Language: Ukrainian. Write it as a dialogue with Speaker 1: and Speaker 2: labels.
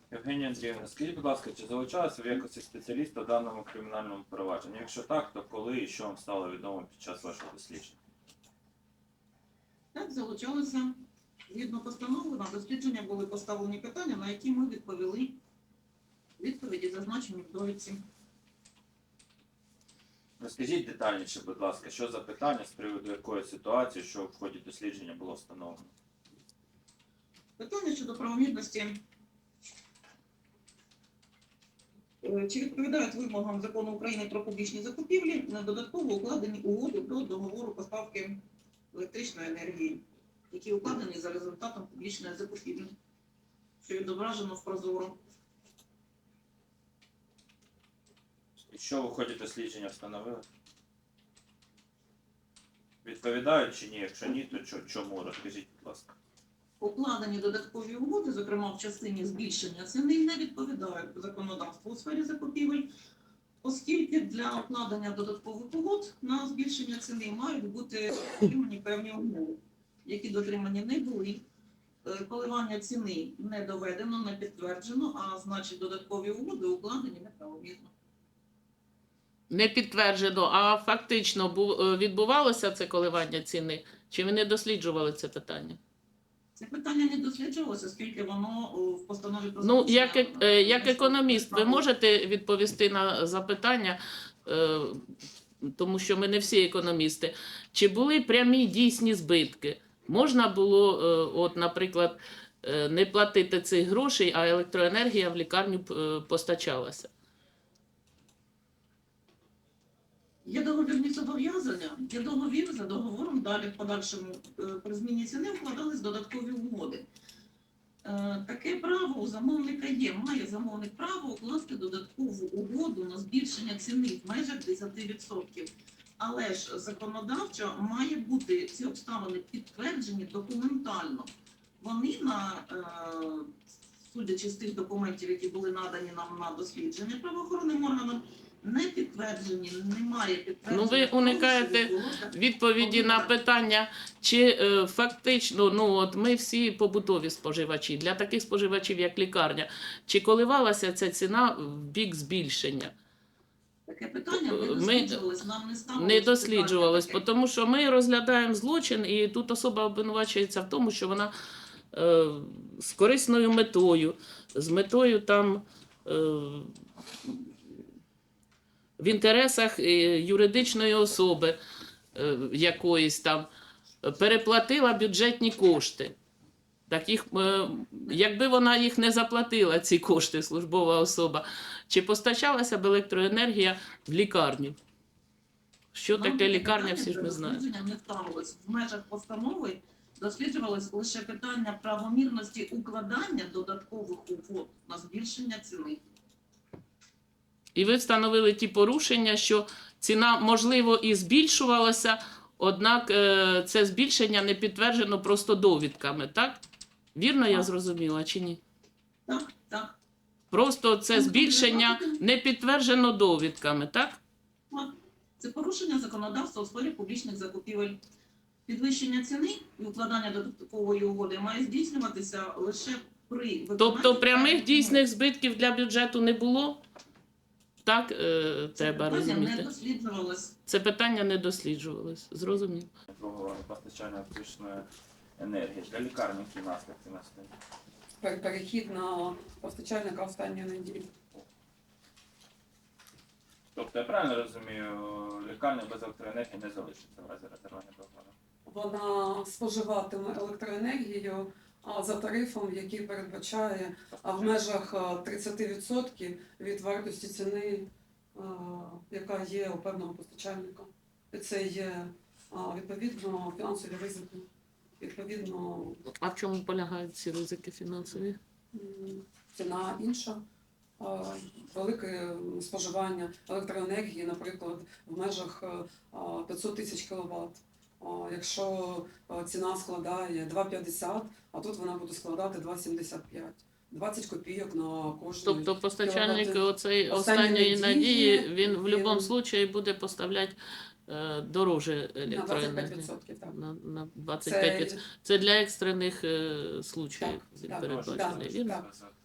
Speaker 1: Євгенія Андріївна, скажіть, будь ласка, чи залучалися ви в якості спеціаліста в даному кримінальному провадженні? Якщо так, то коли і що вам стало відомо під час вашого дослідження?
Speaker 2: Так, залучалися. Згідно постанови, на дослідження були поставлені питання, на які ми відповіли. Відповіді зазначені в довідці.
Speaker 1: Розкажіть детальніше, будь ласка, що за питання, з приводу якої ситуації, що в ході дослідження було встановлено?
Speaker 2: Питання щодо правомірності. Чи відповідають вимогам Закону України про публічні закупівлі на додатково укладені угоди до договору поставки електричної енергії, які укладені за результатом публічної закупівлі, що відображено в прозоро.
Speaker 1: І що в ході дослідження встановили? Відповідають чи ні? Якщо ні, то чому? Розкажіть, будь ласка.
Speaker 2: Укладені додаткові угоди, зокрема в частині збільшення ціни, не відповідають законодавству у сфері закупівель, оскільки для укладення додаткових угод на збільшення ціни мають бути дотримані певні умови, які дотримані не були. Коливання ціни не доведено, не підтверджено, а значить додаткові угоди укладені неправомірно.
Speaker 3: Не підтверджено, а фактично відбувалося це коливання ціни? Чи ви не досліджували це питання?
Speaker 2: Це питання не досліджувалося, оскільки воно в постанові про
Speaker 3: Ну,
Speaker 2: залучення,
Speaker 3: як економіст, ви можете відповісти на запитання, тому що ми не всі економісти. Чи були прямі дійсні збитки? Можна було, от, наприклад, не платити цих грошей, а електроенергія в лікарню постачалася?
Speaker 2: Є договірні зобов'язання, є договір, за договором далі в подальшому при зміні ціни вкладались додаткові угоди. Таке право у замовника є, має замовник право укласти додаткову угоду на збільшення ціни в межах 10%. Але ж законодавчо має бути ці обставини підтверджені документально. Вони, судячи з тих документів, які були надані нам на дослідження правоохоронним органам, не підтверджені, немає підтвердження.
Speaker 3: Ну, ви уникаєте відповіді на питання, чи фактично, ну от ми всі побутові споживачі, для таких споживачів, як лікарня, чи коливалася ця ціна в бік збільшення?
Speaker 2: Таке питання не досліджувалось, нам не ставилось.
Speaker 3: Не досліджувалось,
Speaker 2: таке.
Speaker 3: тому що ми розглядаємо злочин, і тут особа обвинувачується в тому, що вона з корисною метою, з метою там в інтересах юридичної особи якоїсь там переплатила бюджетні кошти. Так їх, якби вона їх не заплатила, ці кошти, службова особа, чи постачалася б електроенергія в лікарню? Що
Speaker 2: Нам
Speaker 3: таке лікарня, всі ж ми
Speaker 2: до
Speaker 3: знаємо.
Speaker 2: дослідження не ставилось. В межах постанови досліджувалось лише питання правомірності укладання додаткових угод на збільшення ціни.
Speaker 3: І ви встановили ті порушення, що ціна, можливо, і збільшувалася, однак це збільшення не підтверджено просто довідками, так? Вірно я зрозуміла чи ні?
Speaker 2: Так, так.
Speaker 3: Просто це збільшення не підтверджено довідками, так?
Speaker 2: Так. Це порушення законодавства у сфері публічних закупівель. Підвищення ціни і укладання додаткової угоди має здійснюватися лише при виконанні...
Speaker 3: Тобто прямих
Speaker 2: певних
Speaker 3: дійсних збитків для бюджету не було? Так, треба
Speaker 2: умов. Це питання не
Speaker 3: розуміти.
Speaker 2: досліджувалось.
Speaker 3: Це питання не досліджувалось. Зрозуміло.
Speaker 1: Другого постачання електричної енергії. Для лікарні які наслідки настають?
Speaker 4: Перехід на постачальника останньої неділі.
Speaker 1: Тобто, я правильно розумію, лікарня без електроенергії не залишиться в разі розірвання договору?
Speaker 4: Вона споживатиме електроенергію за тарифом, який передбачає в межах 30% від вартості ціни, яка є у певного постачальника. І це є відповідно фінансові ризики. Відповідно,
Speaker 3: А в чому полягають ці ризики фінансові?
Speaker 4: ціна інша. Велике споживання електроенергії, наприклад, в межах 500 тисяч кВт. Якщо ціна складає 2,50, а тут вона буде складати 2,75. 20 копійок на кожну.
Speaker 3: Тобто постачальник
Speaker 4: кіловат.
Speaker 3: оцеї
Speaker 4: Останньої
Speaker 3: останньої надії,
Speaker 4: надії,
Speaker 3: він в будь-якому
Speaker 4: він-
Speaker 3: случаї буде поставляти дороже
Speaker 4: На
Speaker 3: електроенергію.
Speaker 4: 25%, так.
Speaker 3: На 25%. Це для екстрених случаїв
Speaker 4: Так,
Speaker 3: він
Speaker 4: так,
Speaker 3: передбачений,
Speaker 4: так,
Speaker 3: вірно?
Speaker 4: так.